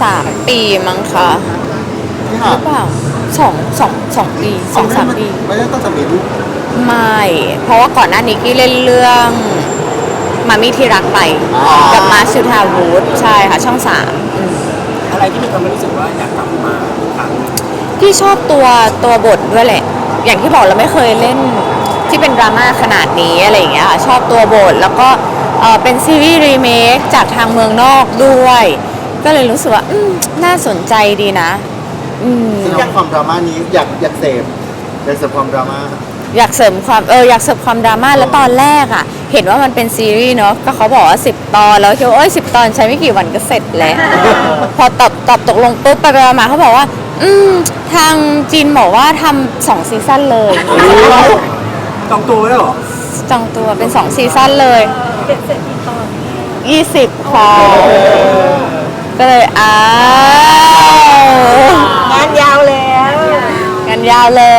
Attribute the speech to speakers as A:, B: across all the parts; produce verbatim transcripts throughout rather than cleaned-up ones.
A: สามปีมั้งคะห
B: ที่ห่า
A: รือเปล่าสองสองสองปีสองสามปี
B: ไม่ได้ต้องจะมีลูก
A: ไม่เพราะว่าก่อนหน้านี้กี้เล่นเรื่องมามีที่รักไปกับมาสุธาวุฒิใช่ค่ะช่องสามอืม
C: อะไรที่มันทำให้รู้สึกว่าอยากกลับมาอีกครั้ง
A: ที่ชอบตัวตัวบทด้วยแหละ อย่างที่บอกเราไม่เคยเล่นที่เป็นดราม่าขนาดนี้อะไรอย่างเงี้ยค่ะชอบตัวบทแล้วก็เอ่อเป็นซีรีส์รีเมคจากทางเมืองนอกด้วย ก็เลยรู้สึกว่าอืมน่าสนใจดีนะอืม
B: ซึ่งอยากความดราม่านี้อยากอยากเสพอยากเสพความดราม่า
A: อยากเสริมความเอออยากเสริมความดราม่าแล้วตอนแรกอ่ะเห็นว่ามันเป็นซีรีส์เนาะก็เขาบอกว่าสิบตอนแล้วคิดว่าโอ้ยสิบตอนใช้ไม่กี่วันก็เสร็จแล้ว พอตอบตอบตกลงปุ๊บไปไปมาเขาบอกว่า อืมทางจีนบอกว่าทำสองซีซั่นเลย
C: จองตัวไว้แล้วเหรอ
A: จองตัวเป็นสองซีซั่นเลย
D: เป็นเสร็จกี่ตอน
A: ยี่สิบพอก็เลยอ้าว
D: งานยาวแล้ว
A: กันยาวเลย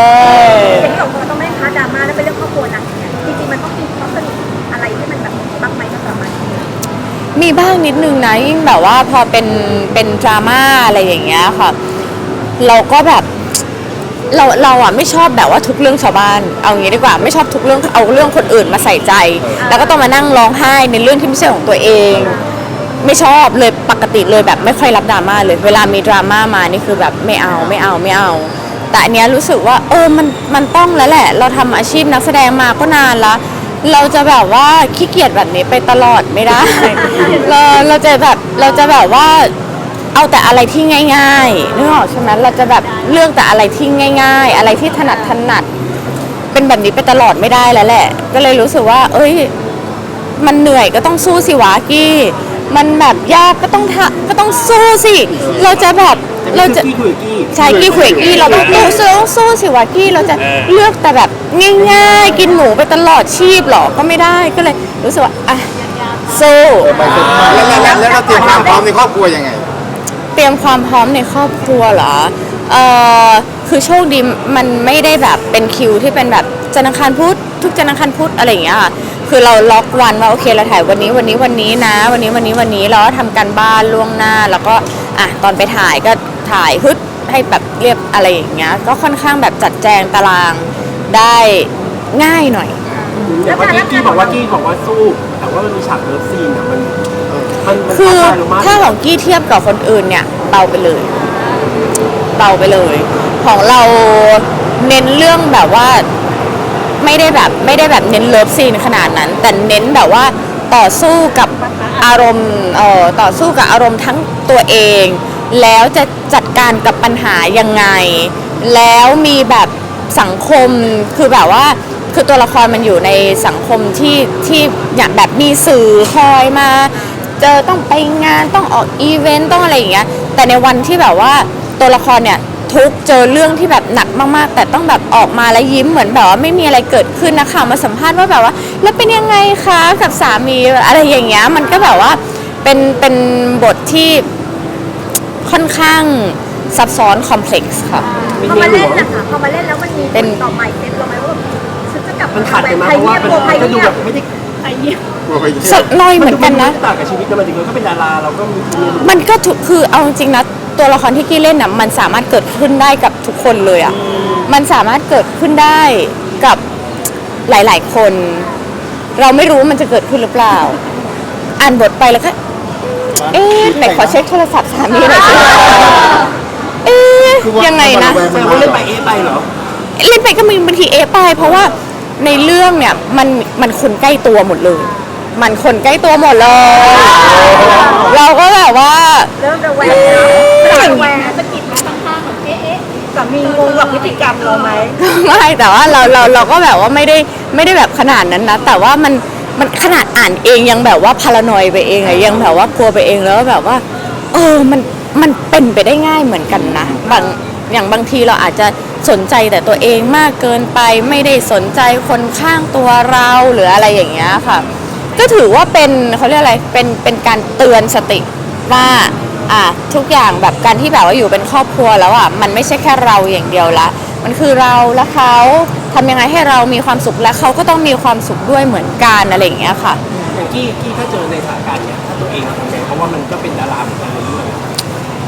D: เห็นสองคนต้องไม่พาดราม่าแล้วเป็นเรื่องครอบครัวนะจริงๆมันต้องมีข้อสรุปอะไรที่มันแบบบ้างไหมสำหรับมัน
A: มีบ้างนิดนึงนะยิ่งแบบว่าพอเป็นเป็นดราม่าอะไรอย่างเงี้ยค่ะเราก็แบบเราเราอ่ะไม่ชอบแบบว่าทุกเรื่องชาวบ้านเอางี้ดีกว่าไม่ชอบทุกเรื่องเอาเรื่องคนอื่นมาใส่ใจ แล้วก็ต้องมานั่งร้องไห้ในเรื่องที่ไม่ใช่ของตัวเอง ไม่ชอบเลยปกติเลยแบบไม่ค่อยรับดราม่าเลยเวลามีดราม่ามานี่คือแบบไม่เอาไม่เอาไม่เอา แต่อันเนี้ยรู้สึกว่าเออมันมันต้องแล้วแหละ เราทำอาชีพนักแสดงมาก็นานละเราจะแบบว่าขี้เกียจแบบนี้ไปตลอดไม่ได้ เราเราจะแบบเราจะแบบว่าเอาแต่อะไรที่ง่ายๆนึกออกใช่ไหมเราจะแบบเลือกแต่อะไรที่ง่าย ๆ อะไรที่ถนัดถนัดเป็นแบบนี้ไปตลอดไม่ได้แล้วแหละ ก็เลยรู้สึกว่า เอ้ยมันเหนื่อยก็ต้องสู้สิวะกี้มันแบบยากก็ต้องทะก็ต้องสู้สิเราจะแบบเราจะ
C: กี้คุยกับกี้
A: ใช่กี้คุยกับกี้เราต้องสู้สู้สู้สิวะกี้เราจะเลือกแต่แบบง่ายๆ กินหมูไปตลอดชีพหรอก็ไม่ได้ก็เลยรู้สึกว่าอ่ะสู้
B: ไปเสร็จมาแล้วแล้วแล้วเราเตรียมความพร้อมในครอบครัวยังไง
A: เตรียมความพร้อมในครอบครัวเหรอเออคือโชคดีมันไม่ได้แบบเป็นคิวที่เป็นแบบจันทร์อังคารพุธทุกจันทร์อังคารพุธอะไรอย่างเงี้ยค่ะคือเราล็อกวันว่าโอเคเราถ่ายวันนี้วันนี้วันนี้นะ วันนี้วันนี้วันนี้เราก็ทำการบ้านล่วงหน้าแล้วก็อ่ะตอนไปถ่ายก็ถ่ายฮึดให้แบบเรียบอะไรอย่างเงี้ยก็ค่อนข้างแบบจัดแจงตารางได้ง่ายหน่อย
C: แต่ว่ากี้กี้บอกว่ากี้บอกว่าสู้ แต่ว่ามันมีฉากเลิฟซีนอ่ะมันมันมัน
A: คือ
C: ท้าทายเรามาก
A: ถ้าของกี้เทียบกับคนอื่นเนี่ยเบาไปเลยเบาไปเลย ของเราเน้นเรื่องแบบว่าไม่ได้แบบไม่ได้แบบเน้นเลิฟซีนขนาดนั้น แต่เน้นแบบว่าต่อสู้กับอารมณ์เอ่อต่อสู้กับอารมณ์ทั้งตัวเอง แล้วจะจัดการกับปัญหายังไง แล้วมีแบบสังคมคือแบบว่าคือตัวละครมันอยู่ในสังคมที่ที่อย่างแบบมีสื่อคอยมาเจอต้องไปงานต้องออกอีเวนต์ต้องอะไรอย่างเงี้ยแต่ในวันที่แบบว่าตัวละครเนี่ยทุกเจอเรื่องที่แบบหนักมากๆแต่ต้องแบบออกมาแล้วยิ้มเหมือนแบบว่าไม่มีอะไรเกิดขึ้นนะคะมาสัมภาษณ์ว่าแบบว่าแล้วเป็นยังไงคะกับสามีอะไรอย่างเงี้ยมันก็แบบว่าเป็นเป็นบทที่ค่อนข้างซับซ้อนคอมเพล็กซ์ค่ะ
D: พอมาเล่นนะคะพอมาเล่นแล้วมันมีผลต่อใหม่เซ็ตเราไหมว่าฉันจะกลับ
C: มันขัดกันมากเพราะว่ามันมันก็ดูแบบไม่ได้
D: ไทยเนี่ย
B: กลัวไปเที่ยว
A: สักหน้อยเหมือนกันนะ
C: ต่างกับชีวิตกันมาถึงเราก็เป็นดาราเราก็มีชีวิต
A: มันก็ถูกคือเอาจริงๆนะตัวละครที่กี้เล่นน่ะมันสามารถเกิดขึ้นได้กับทุกคนเลยอ่ะมันสามารถเกิดขึ้นได้กับหลายๆคน เราไม่รู้มันจะเกิดขึ้นหรือเปล่า อ่านบทไปแล้วก็เอ๊ะไหนขอเช็คโทรศัพท์สามีหน่อยสิเอ๊ะยังไงนะ
C: แสดงว่าเล่นไปเอะไปเหรอ
A: เล่นไปก็มีบางทีเอะไปเพราะว่าในเรื่องเนี่ยมันมันคนใกล้ตัวหมดเลย มันคนใกล้ตัวหมดเลย เราก็แบบว่า
D: เริ่มระแวงแล้วระแวงสะกิดไหมข้างๆแบบเอ๊ะสามีงงกับพฤติกรรมเราไหม
A: ไม่แต่ว่าเราเราเราก็แบบว่าไม่ได้ไม่ได้แบบขนาดนั้นนะแต่ว่ามันมันขนาดอ่านเองยังแบบว่าพารานอยไปเองอะยังแบบว่ากลัวไปเองแล้วแบบว่าเออมันมันเป็นไปได้ง่ายเหมือนกันนะบางอย่างบางทีเราอาจจะสนใจแต่ตัวเองมากเกินไปไม่ได้สนใจคนข้างตัวเราหรืออะไรอย่างเงี้ยค่ะก็ถือว่าเป็นเขาเรียกอะไรเป็นเป็นการเตือนสติว่าอ่ะทุกอย่างแบบการที่แบบว่าอยู่เป็นครอบครัวแล้วอ่ะมันไม่ใช่แค่เราอย่างเดียวละมันคือเราและเขาทำยังไงให้เรามีความสุขและเขาก็ต้องมีความสุขด้วยเหมือนกันอะไรอย่างเงี้ยค่ะ
C: อย่างกี้กี้ถ้าเจอในสถานการณ์เนี้ยถ้าตัวเองทำไงเพราะว่ามันก็เป็นดาราเหมือนกันในเรื่อง
A: ก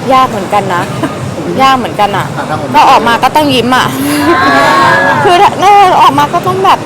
A: ยากเหมือนกันนะ ยากเหมือนกันอ่ะ
B: อ่ะถ้าผม
A: พอออกมาก็ต้องยิ้มอ่ะ คือถ้าถ้าออกมาก็ต้องแบบ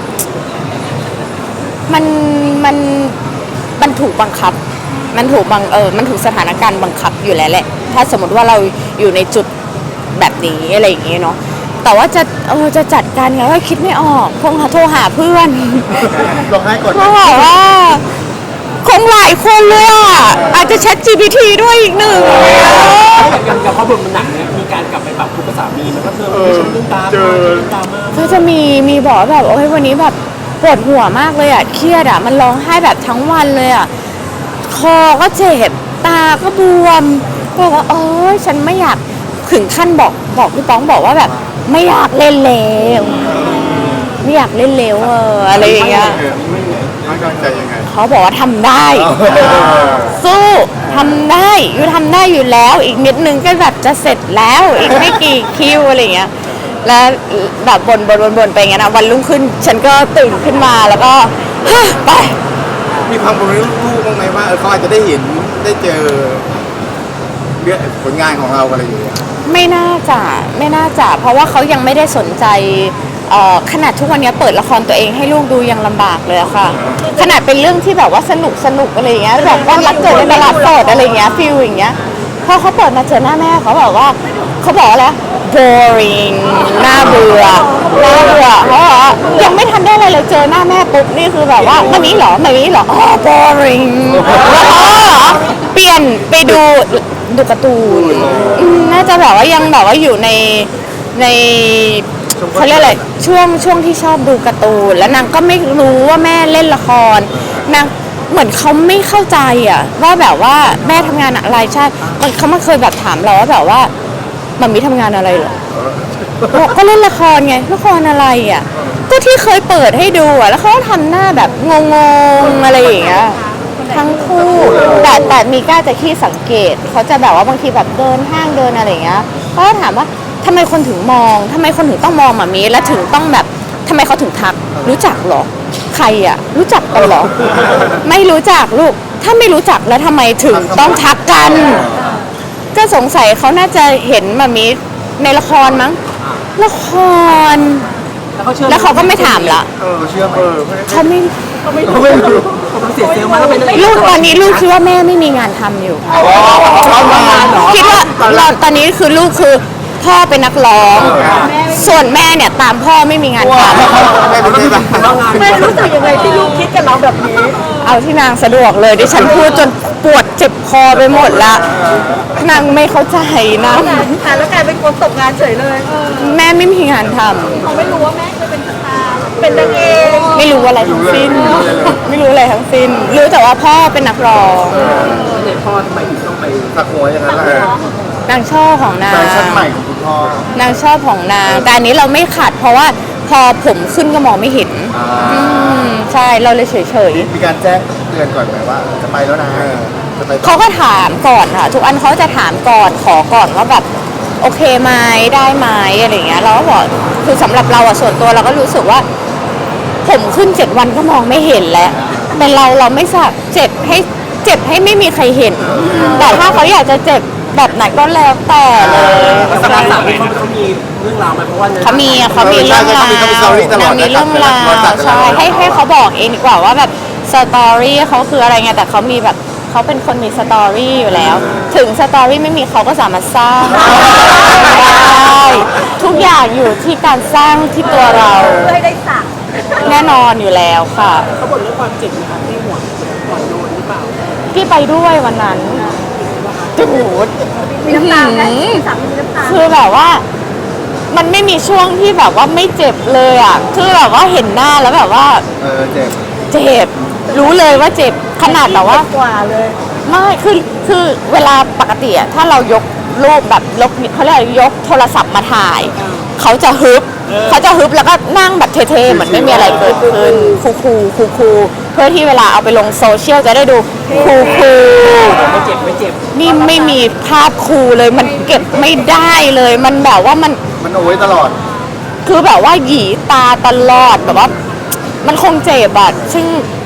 A: มันมันมันถูกบังคับ มันถูกบังเออมันถูกสถานการณ์บังคับอยู่แล้วแหละ ถ้าสมมติว่าเราอยู่ในจุดแบบนี้อะไรอย่างเงี้ยเนาะแต่ว่าจะเออจะจัดการไงว่าคิดไม่ออกคงหาโทรหาเพื่อน
B: ลองให้ก่อน
A: เขาบอกว่าคงหลายคนเลยอ่ะอาจจะ Chat จี พี ที ด้วยอีกหนึ่ง
C: อย่างอย่างกับพ่อบทมันหนักเนี่ยมีการกลับไปปรับทุกภาษามีมันก็เธอไม่ใช่เรื่องตามมาเรื่องตามมา
A: ก็จะมีมีบอกว่าแบบโอ้ยวันนี้แบบปวดหัวมากเลยอ่ะเครียดอ่ะมันร้องไห้แบบทั้งวันเลยอ่ะคอก็เจ็บตาก็บวมบอกว่าเออฉันไม่อยากถึงขั้นบอกบอกพี่ป้องบอกว่าแบบไม่อยากเล่นแล้วไม่อยากเล่นแล้วเอออะไรอย่างเงี้ย
B: ให้กำลังใจยังไง
A: เขาบอกว่าทำได้ สู้ทำได้อยู่ทำได้อยู่แล้วอีกนิดนึงก็แบบจะเสร็จแล้วอีกไม่กี่คิวอะไรอย่างเงี้ยแล้วแบบบนบนบนบนไปอย่างเงี้ยนะวันรุ่งขึ้นฉันก็ตื่นขึ้นมาแล้วก็ฮะไป
E: มีความกังวลลูกๆบ้างไหมว่าเออเขาอาจจะได้เห็นได้เจอเรื่องผลงานของเราอะไรอย่างเงี้ย
A: ไม่น่าจะไม่น่าจะเพราะว่าเขายังไม่ได้สนใจเอ่อขนาดทุกวันนี้เปิดละครตัวเองให้ลูกดูยังลำบากเลยอะค่ะ ขนาดเป็นเรื่องที่แบบว่าสนุกสนุกอะไรอย่างเงี้ยแบบว่ารักเกิดในตลาดสดอะไรอย่างเงี้ยฟิลอย่างเงี้ยพอเขาเปิดมาเจอหน้าแม่เขาบอกว่าเขาบอกอะไร boring น่าเบื่อน่าเบื่อเขาบอกว่ายังไม่ทันได้อะไรเลยเจอหน้าแม่ปุ๊บนี่คือแบบว่ามันนี้เหรอมันนี้เหรออ๋อ boring แล้วเขาก็เหรอเปลี่ยนไปดูดูการ์ตูนอืมน่าจะแบบว่ายังแบบว่าอยู่ในในเขาเรียกอะไรช่วงช่วงที่ชอบดูการ์ตูนแล้วนางก็ไม่รู้ว่าแม่เล่นละครนางเหมือนเขาไม่เข้าใจอะว่าแบบว่าแม่ทำงานอะไรใช่มันเขามาเคยแบบถามเราว่าแบบว่ามันมีทำงานอะไรเหรอบอกก็เล่นละครไงละครอะไรอ่ะก็ที่เคยเปิดให้ดูอ่ะแล้วเขาก็ทำหน้าแบบงงๆอะไรอย่างเงี้ยทั้งคู่แต่แต่มีกล้าจะขี้สังเกตเขาจะแบบว่าบางทีแบบเดินห้างเดินอะไรอย่างเงี้ยเขาก็ถามว่าทำไมคนถึงมองทำไมคนถึงต้องมองแบบนี้แล้วถึงต้องแบบทำไมเขาถึงทักรู้จักเหรอใครอ่ะรู้จักกันเหรอไม่รู้จักลูกถ้าไม่รู้จักแล้วทำไมถึงต้องทักกันก็สงสัยเขาน่าจะเห็นมามีในละครมั้งละคร
C: แล้วเขาเชื่อ
A: แล้วเขาก็ไม่ถามละ
B: เออเชื่อไหม
A: เขาไม่
C: เขาไม่รู้เขาเสียเซลล์มาแล้วเป็น
A: ลูกตอนนี้ลูกคิดว่าแม่ไม่มีงานทำอยู่
B: เอามาเหรอ
A: คิดว่าเราตอนนี้คือลูกคือพ่อเป็นนักร้อง ส่วนแม่เนี่ยตามพ่อไม่มีงานท
E: แม่เป็นไงบ้าง
C: ว่างาน
D: แม่รู้สึกยังไงที่ลูกคิดกับเราแบบนี้
A: ำเอาที่นางสะดวกเลยดิฉันพูดจนปวดเจ็บคอไปหมดละนางไม่เข้าใจนะ
D: ค่ะแล้วกลายเป็นคนตกงานเฉยเลย
A: แม่ไม่มีงานท
D: เขาไม่รู้ว่าแม่เคยเป็นสตาร์เป็นนางเอก
A: ำไม่รู้อะไรทั้งสิ้น ไม่รู้อะไรทั้งสิ้น รู้แต่ว่าพ่อเป็นนักร้อง
C: เด็กพ่อทำไมถึงต้องไป
B: สักหัวอย่างนั้นแหละ
A: นางชอบของนาง
B: แฟชั่นใหม่ของคุณพ่อ
A: นางชอบของนาง แต่อันนี้เราไม่ขัดเพราะว่าพอผมขึ้นก็มองไม่เห็น
B: อ่า
A: อืมใช่เราเลยเฉย
B: มีการแจ้งเตือนก่อนไหมว่าจะไปแล้วนะจะไป
A: ๆเขาก็ถามก่อนค่ะ ทุกอันเขาจะถามก่อนขอก่อนว่าแบบโอเคไหมได้ไหมอะไรอย่างเงี้ยเราก็บอกคือสำหรับเราอะส่วนตัวเราก็รู้สึกว่า ผมขึ้นเจ็ดวันก็มองไม่เห็นแล้วเป็นเราเราไม่สักเจ็บให้เจ็บให้ไม่มีใครเห็น แต่ถ้าเขาอยากจะเจ็บแบบไหนก็แล้วแต่เลย
C: สถานสามเขาเขามีเรื่องราวไหมเพราะว่า
A: เขามีอะเขามีเรื่องราว
E: เขามีเขามีสตอรี่ตลอด
A: นางมีเรื่องราว
E: นะ
A: ใช่ให้ให้เขาบอกเองดีกว่าว่าแบบสตอรี่เขาคืออะไรไงแต่เขามีแบบเขาเป็นคนมีสตอรี่อยู่แล้ว ถึงสตอรี่ไม่มีเขาก็สามารถสร้างได้ทุกอย่างอยู่ที่การสร้างที่ตัวเรา
D: เพื่อให้ได้สัก
A: แน่นอนอยู่แล้วค่ะ
C: เขาบ่นเรื่องความเจ็บนะคะที่หัวหัวโดนหรือเปล่า
A: ที่ไปด้วยวันนั้นโอ้โห
D: มีน้ำตาไหมสามีมีน้ำตา
A: คือแบบว่า มันไม่มีช่วงที่แบบว่าไม่เจ็บเลยอ่ะ คือแบบว่าเห็นหน้าแล้วแบบว่า
B: เออเจ็บ
A: เจ็บ รู้เลยว่าเจ็บ ขนาดแบบว่า
D: กว่าเลย
A: ไม่ คือ คือเวลาปกติอะถ้าเรายกรูปแบบลบเขาเรียกอะไรยกโทรศัพท์มาถ่าย เขาจะฮึบ เขาจะฮึบแล้วก็นั่งแบบเท่ๆเหมือนไม่มีอะไรเกิดขึ้น คูคูคูคูเพื่อที่เวลาเอาไปลงโซเชียลจะได้ดูคูคู
C: ไม่เจ็บไม่เจ็บ
A: นี่ไม่มีภาพคูเลย มันเก็บไม่ได้เลย มันแบบว่ามัน
B: มันเอาไว้ตลอด
A: คือแบบว่าหยีตาตลอดแบบว่า มันคงเจ็บอะซึ่ง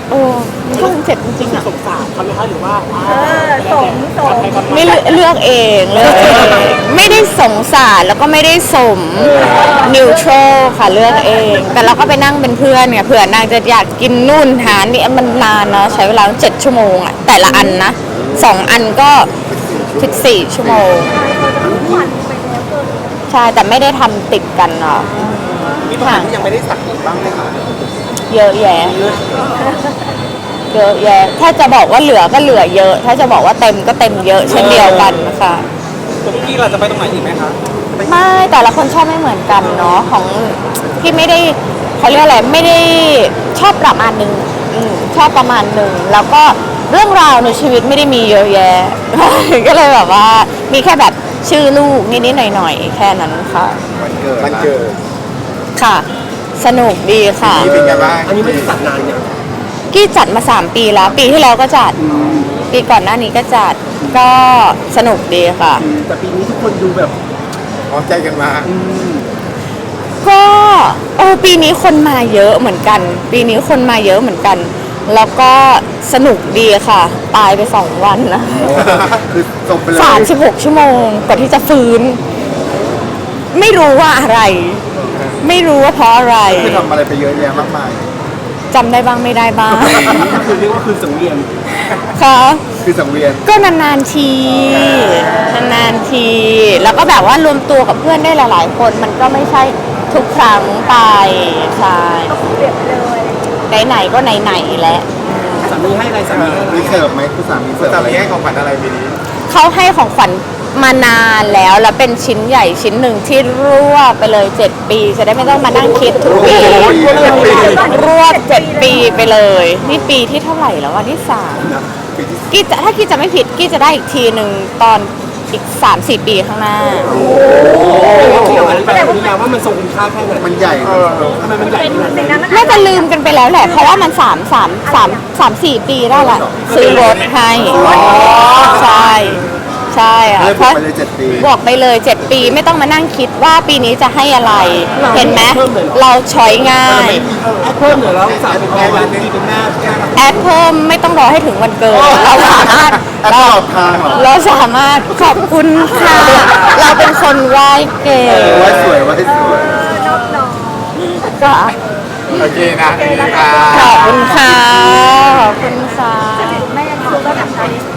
A: โอ้มันก็คงเจ็บจริงๆอะ
C: สงสารเขาไหมคะหรือว่า
D: เออสมสม
A: ไม่เลือกเลือกเองเลือกเองไม่ได้สงสารแล้วก็ไม่ได้สมนิวทรัลค่ะเลือกเอง แต่เราก็ไปนั่งเป็นเพื่อนไงเผื่อนางจะอยากกินนู่นหานี่มันนานเนาะใช้เวลาเจ็ดชั่วโมงอะแต่ละอันนะสองอันก็สิบสี่ชั่วโมง
D: หวานไปแล้วเกิน
A: ใช่แต่ไม่ได้ทำติดกันเนาะ
E: มีปัญหาที่ยังไม่ได้สักอีกบ้างไหมคะ
A: เยอะแยะเยอะแยะถ้าจะบอกว่าเหลือก็เหลือเยอะ ถ้าจะบอกว่าเต็มก็เต็มเยอะเช่นเดียวกันนะคะ
E: ตัวพี่เราจะไปตรงไหนอีกไหมคะ
A: ไม่แต่ละคนชอบไม่เหมือนกันเนาะของพี่ไม่ได้เขาเรียกอะไรไม่ได้ชอบประมาณหนึ่งอืมชอบประมาณหนึ่งแล้วก็เรื่องราวในชีวิตไม่ได้มีเยอะแยะ ก็เลยแบบว่ามีแค่แบบชื่อลูกนิดๆหน่อยๆแค่นั้นค่ะ
B: วันเกิด
E: วันเกิด
A: ค่ะ สนุกดีค่ะ
E: นี่เป็นไงบ้าง
C: อันนี้ไม่ได้จัดนานเนี่ย
A: กี้จัดมาสามปีแล้ว ปีที่แล้วก็จัด ปีก่อนหน้านี้ก็จัดก็สนุกดีค่ะ
C: แต่ปีนี้ทุกคนดูแบบ
E: พร้อมใจกันมา
A: ก็เออปีนี้คนมาเยอะเหมือนกัน ปีนี้คนมาเยอะเหมือนกัน แล้วก็สนุกดีค่ะ ตายไปสองวันนะ
B: คือจบไปเลย
A: สามสิบหกชั่วโมงกว่าที่จะฟื้น ไม่รู้ว่าอะไร ไม่รู้ว่าเพราะอะไร
B: คือทำอะไรไปเยอะแยะมากมาย
A: จำได้บ้างไม่ได้บ้าง
C: ก็คือเรียกว่าคืนสังเวียน
A: ค่ะ
B: คือสังเวียน
A: ก็นานๆที นานๆที แล้วก็แบบว่ารวมตัวกับเพื่อนได้หลายๆ คนมันก็ไม่ใช่ทุกครั้งไปใช่
D: เปลี่ยนไปเลย
A: ไหนๆก็ไหนๆแล้ว
C: สามีให้อะไรสามีให้อะไร
B: มีเสิร์ฟไหมคุณสามีเสิร์ฟ
E: จะ
B: อะไร
E: มีให้ของขวัญอะไรปีนี้
A: เขาให้ของขวัญมานานแล้ว แล้วเป็นชิ้นใหญ่ชิ้นหนึ่งที่รวบไปเลยเจ็ดปี จะได้ไม่ต้องมานั่งคิดทุกปี รวบเจ็ดปีไปเลย นี่ปีที่เท่าไหร่แล้ววันที่สามกี้จะถ้ากี้จะไม่ผิดกี้จะได้อีกทีหนึ่งตอนอีกสามสี่ปีข้างหน้า
C: เกี่ยวกับอะไรแบบนี้นะว่ามันทรงคุณค่าแค่ไหน
B: มันใหญ่นะ
C: ทำไมมันใหญ่ขนาด
D: สิ่ง
C: นั้
D: นั้น
C: น
D: มัน
A: น่าจะลืมกันไปแล้วแหละ เพราะว่ามันสามสามสามสามสี่ปีได้ละซื้อรถให้ใช่ใช่อะ
B: เลย
A: เพ
B: บอก
A: ราะ
B: ไปเลยเจ็ดปี
A: บอกไปเลยเจ็ดปีไม่ต้องมานั่งคิดว่าปีนี้จะให้อะไร เห็นไหมเราช้อยง่าย
C: เพิ่มเหนือแล้วสามเป็นแม่วันที่เป็นแม่
A: แอดเพิ่มไม่ต้องรอให้ถึงวันเกิด เราสามารถ
B: แอดตลอดทางเหรอ
A: เราสามารถขอบคุณค่ะ เราเป็นคนไหว้เก่ง
B: ไว้สวยไว้สวย
D: นอบน้อม
A: ก็
E: โอเคนะโอเคค่ะ
A: ขอบคุณค่ะขอบคุณค่ะ
D: แม่เขาก็แบบ